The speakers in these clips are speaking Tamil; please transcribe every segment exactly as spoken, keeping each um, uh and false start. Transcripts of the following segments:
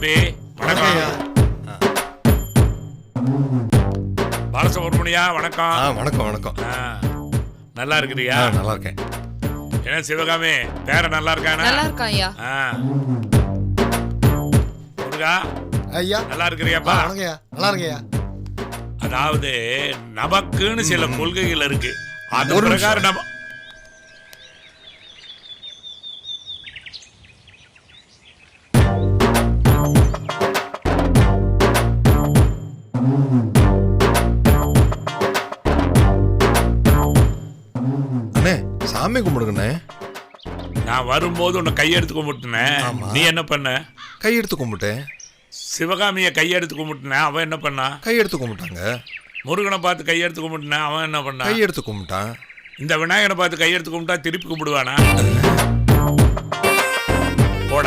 தம்பி வணக்கம். பாலசுப்ரமணியா வணக்கம். வணக்கம் வணக்கம். நல்லா இருக்கிறியா? நல்லா இருக்கேன். என்ன சிவகாமி பேர நல்லா இருக்கானா? நல்லா இருக்கான் ஐயா. முருகா ஐயா நல்லா இருக்கிறியாப்பா? வணக்கம்யா. நல்லா இருக்கேயா. அதாவது நமக்குன்னு சில கொள்கைகள் இருக்கு. அது பிரகாரம் நம்ம சாமி கும்பிடுங்கண்ணே. நான் வரும்போது உன்னை கையெடுத்து கும்பிட்டுனேன். நீ என்ன பண்ண? கையெடுத்து கும்பிட்டேன். சிவகாமியை கையெடுத்து கும்பிட்டுனேன். அவன் என்ன பண்ணா? கையெடுத்து கும்பிட்டாங்க. முருகனை பார்த்து கையெடுத்து கும்பிட்டுனேன். அவன் என்ன பண்ணா? கையெடுத்து கும்பிட்டான். இந்த விநாயகனை பார்த்து கையெடுத்து கும்பிட்டா திருப்பி கும்பிடுவானா? போட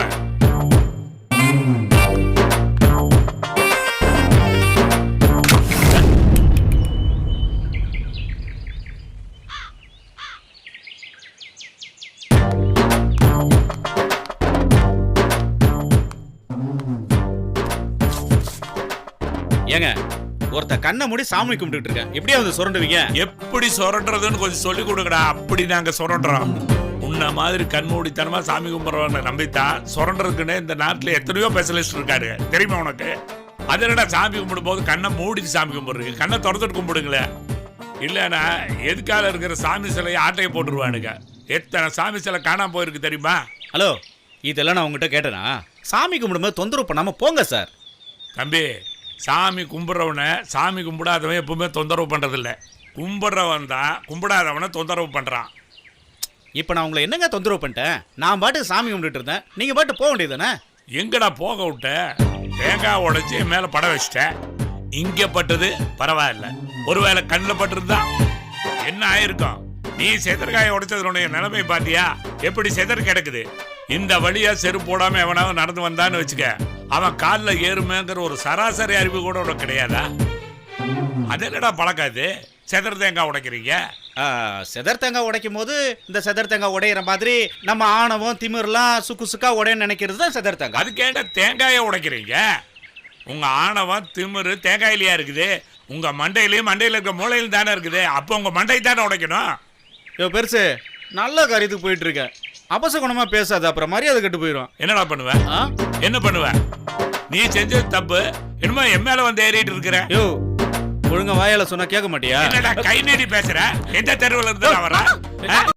ஏங்க ஒருத்த கண்ணை மூடி சாமி கும்பிட்டு இருக்கேன். எப்படியா வந்து சுரண்டுவீங்க? எப்படி சுரண்டுறதுன்னு கொஞ்சம் சொல்லி கொடுக்கடா. அப்படி நாங்க சுரண்டுறோம். உன்ன மாதிரி கண்மூடித்தனமா சாமி கும்பிட்றவங்க நம்பித்தான் சுரண்டுறதுக்குன்னு இந்த நாட்டுல எத்தனையோ ஸ்பெஷலிஸ்ட் இருக்காரு. தெரியுமா உனக்கு? அது என்னடா சாமி கும்பிடும் போது கண்ணை மூடிட்டு சாமி கும்பிடுறீங்க? கண்ணை திறந்துட்டு கும்பிடுங்களே. இல்லைன்னா எதுக்கால இருக்கிற சாமி சிலையை ஆட்டையை போட்டுருவானுங்க. எத்தனை சாமி சிலை காணாம போயிருக்கு தெரியுமா? ஹலோ, இதெல்லாம் நான் உங்ககிட்ட கேட்டேனா? சாமி கும்பிடும்போது தொந்தரவு பண்ணாம போங்க சார். தம்பி, சாமி கும்பிட்றவனை சாமி கும்பிடாதவன் எப்பவுமே தொந்தரவு பண்ணுறதில்ல. கும்பிட்றவன் தான் கும்பிடாதவனை தொந்தரவு பண்ணுறான். இப்போ நான் உங்களை என்னங்க தொந்தரவு பண்ணிட்டேன்? நான் பாட்டு சாமி கும்பிட்டு இருந்தேன். நீங்கள் பாட்டு போக வேண்டியதானே? எங்கடா போக விட்ட? தேங்காய் உடைச்சி என் மேலே பட வச்சிட்டேன். இங்கே பட்டது பரவாயில்ல. ஒருவேளை கண்ணில் பட்டுருந்தா என்ன ஆயிருக்கும்? நீ செதற்காயை உடைச்சதுடைய நிலைமை பாத்தியா? எப்படி செதற் கிடக்குது. இந்த வழியா செருப்பு போடாம எவனாவது நடந்து வந்தான்னு வச்சுக்க, அவன் காலில் ஏறுமேங்கிற ஒரு சராசரி அறிவு கூட உனக்கு கிடையாதா? அது என்னடா பழக்காது? செதர் தேங்காய் உடைக்கிறீங்க. செதர் தேங்காய் உடைக்கும் போது இந்த செதர் தேங்காய் உடையிற மாதிரி நம்ம ஆணவம் திமிர்லாம் சுக்கு சுக்கா உடையன்னு நினைக்கிறது தான் செதர் தேங்காய். அதுக்கு ஏன்டா தேங்காயை உடைக்கிறீங்க? உங்க ஆணவம் திமிரு தேங்காயிலையா இருக்குது? உங்க மண்டையிலையும் மண்டையில இருக்க மூளையிலும் தானே இருக்குது. அப்போ உங்க மண்டை தானே உடைக்கணும். ஐயோ பெருசு, நல்ல காரியத்துக்கு போயிட்டு இருக்க. அபசகுணமா பேசாத, அப்புறம் மரியாதை கெட்டு போயிடும். என்னடா பண்ணுவேன்? என்ன பண்ணுவேன்? நீ செஞ்சது தப்பு. என்னமோ என் மேல வந்து ஏறிட்டு இருக்கிற. யோ, ஒழுங்கா வாயால சொன்னா கேட்க மாட்டியா? என்னடா கை நீடி பேசுற? எந்த தெருவில் இருந்து வர?